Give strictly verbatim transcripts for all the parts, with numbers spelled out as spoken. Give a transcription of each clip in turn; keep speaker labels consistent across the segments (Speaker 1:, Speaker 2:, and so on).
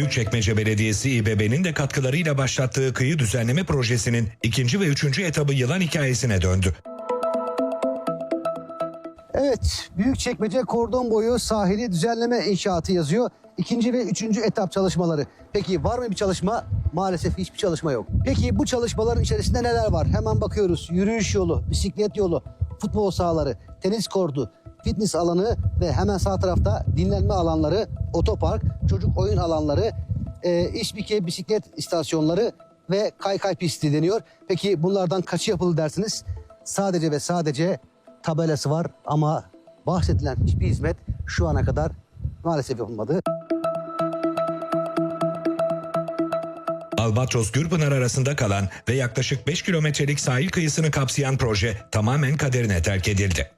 Speaker 1: Büyükçekmece Belediyesi İ B B'nin de katkılarıyla başlattığı kıyı düzenleme projesinin ikinci ve üçüncü etabı yılan hikayesine döndü.
Speaker 2: Evet, Büyükçekmece kordon boyu sahili düzenleme inşaatı yazıyor. İkinci ve üçüncü etap çalışmaları. Peki var mı bir çalışma? Maalesef hiçbir çalışma yok. Peki bu çalışmaların içerisinde neler var? Hemen bakıyoruz. Yürüyüş yolu, bisiklet yolu, futbol sahaları, tenis kortu, fitness alanı ve hemen sağ tarafta dinlenme alanları, otopark, çocuk oyun alanları, e, İşbike bisiklet istasyonları ve kaykay pisti deniyor. Peki bunlardan kaçı yapıldı dersiniz? Sadece ve sadece tabelası var ama bahsedilen hiçbir hizmet şu ana kadar maalesef yapılmadı.
Speaker 1: Albatros-Gürpınar arasında kalan ve yaklaşık beş kilometrelik sahil kıyısını kapsayan proje tamamen kaderine terk edildi.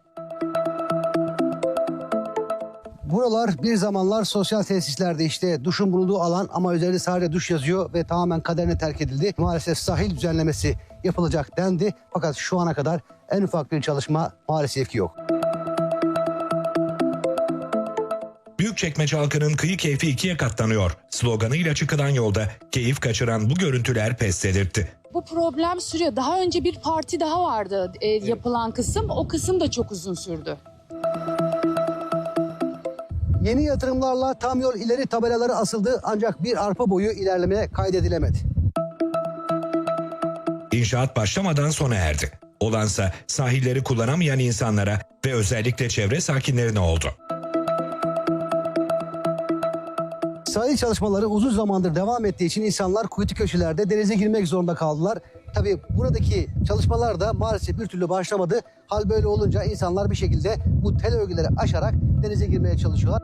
Speaker 2: Buralar bir zamanlar sosyal tesislerdi, işte duşun bulunduğu alan ama üzerinde sadece duş yazıyor ve tamamen kaderine terk edildi. Maalesef sahil düzenlemesi yapılacak dendi fakat şu ana kadar en ufak bir çalışma maalesef ki yok.
Speaker 1: Büyükçekmece halkının kıyı keyfi ikiye katlanıyor sloganıyla çıkılan yolda keyif kaçıran bu görüntüler pes dedirtti.
Speaker 3: Bu problem sürüyor. Daha önce bir parti daha vardı e, yapılan kısım. O kısım da çok uzun sürdü.
Speaker 2: Yeni yatırımlarla tam yol ileri tabelaları asıldı ancak bir arpa boyu ilerleme kaydedilemedi.
Speaker 1: İnşaat başlamadan sona erdi. Olansa sahilleri kullanamayan insanlara ve özellikle çevre sakinlerine oldu.
Speaker 2: Sahil çalışmaları uzun zamandır devam ettiği için insanlar kuytu köşelerde denize girmek zorunda kaldılar. Tabii buradaki çalışmalar da maalesef bir türlü başlamadı. Hal böyle olunca insanlar bir şekilde bu tel örgüleri aşarak denize girmeye çalışıyorlar.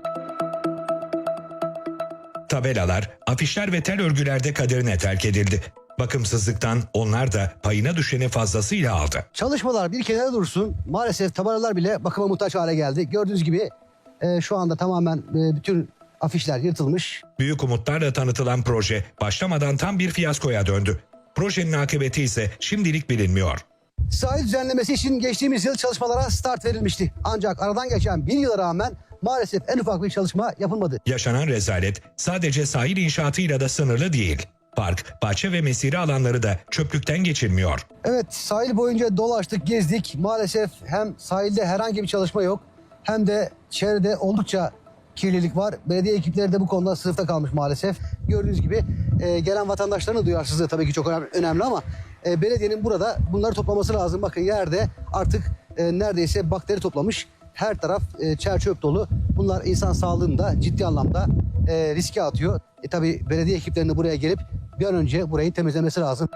Speaker 1: Tabelalar, afişler ve tel örgülerde kaderine terk edildi. Bakımsızlıktan onlar da payına düşeni fazlasıyla aldı.
Speaker 2: Çalışmalar bir kenara dursun. Maalesef tabelalar bile bakıma muhtaç hale geldi. Gördüğünüz gibi e, şu anda tamamen e, bütün afişler yırtılmış.
Speaker 1: Büyük umutlarla tanıtılan proje başlamadan tam bir fiyaskoya döndü. Projenin akıbeti ise şimdilik bilinmiyor.
Speaker 2: Sahil düzenlemesi için geçtiğimiz yıl çalışmalara start verilmişti. Ancak aradan geçen bir yıla rağmen maalesef en ufak bir çalışma yapılmadı.
Speaker 1: Yaşanan rezalet sadece sahil inşaatıyla da sınırlı değil. Park, bahçe ve mesire alanları da çöplükten geçilmiyor.
Speaker 2: Evet, sahil boyunca dolaştık, gezdik. Maalesef hem sahilde herhangi bir çalışma yok hem de çevrede oldukça kirlilik var. Belediye ekipleri de bu konuda sınıfta kalmış maalesef. Gördüğünüz gibi e, gelen vatandaşların duyarsızlığı tabii ki çok önemli, önemli ama e, belediyenin burada bunları toplaması lazım. Bakın yerde artık e, neredeyse bakteri toplamış. Her taraf e, çer çöp dolu. Bunlar insan sağlığını da ciddi anlamda e, riske atıyor. E, tabii belediye ekiplerinin buraya gelip bir an önce burayı temizlemesi lazım.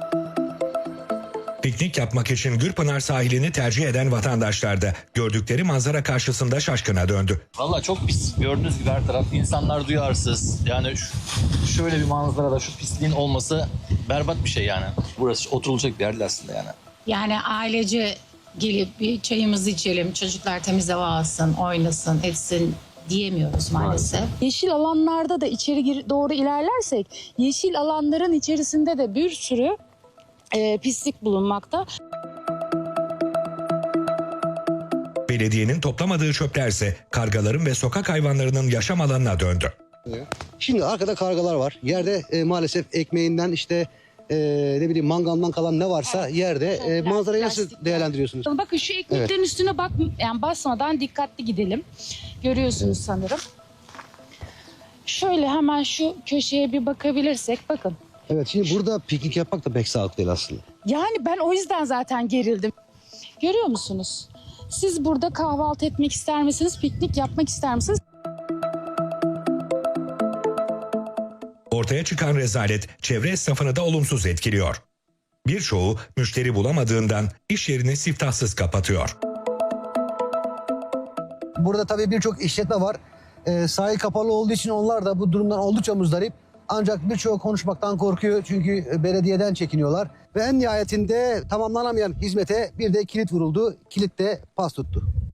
Speaker 1: Piknik yapmak için Gürpınar sahilini tercih eden vatandaşlar da gördükleri manzara karşısında şaşkına döndü.
Speaker 4: Valla çok pis. Gördüğünüz gibi her taraf insanlar duyarsız. Yani şu, şöyle bir manzarada şu pisliğin olması berbat bir şey yani. Burası oturulacak bir yer değil aslında yani.
Speaker 5: Yani ailece gelip bir çayımızı içelim, çocuklar temiz hava alsın, oynasın, etsin diyemiyoruz maalesef.
Speaker 3: Yeşil alanlarda da içeri gir- doğru ilerlersek yeşil alanların içerisinde de bir sürü e, pislik bulunmakta.
Speaker 1: Belediyenin toplamadığı çöplerse kargaların ve sokak hayvanlarının yaşam alanına döndü.
Speaker 2: Şimdi arkada kargalar var. Yerde e, maalesef ekmeğinden işte e, ne bileyim mangaldan kalan ne varsa yerde e, manzarayı nasıl
Speaker 3: Plastikler.
Speaker 2: değerlendiriyorsunuz?
Speaker 3: Bakın şu ekmeklerin üstüne bak, yani basmadan dikkatli gidelim. Görüyorsunuz sanırım. Şöyle hemen şu köşeye bir bakabilirsek bakın.
Speaker 2: Evet, şimdi burada piknik yapmak da pek sağlıklı değil aslında.
Speaker 3: Yani ben o yüzden zaten gerildim. Görüyor musunuz? Siz burada kahvaltı etmek ister misiniz? Piknik yapmak ister misiniz?
Speaker 1: Ortaya çıkan rezalet çevre esnafını da olumsuz etkiliyor. Birçoğu müşteri bulamadığından iş yerini siftahsız kapatıyor.
Speaker 2: Burada tabii birçok işletme var. E, sahil kapalı olduğu için onlar da bu durumdan oldukça muzdarip. Ancak birçoğu konuşmaktan korkuyor çünkü belediyeden çekiniyorlar. Ve en nihayetinde tamamlanamayan hizmete bir de kilit vuruldu. Kilit de pas tuttu.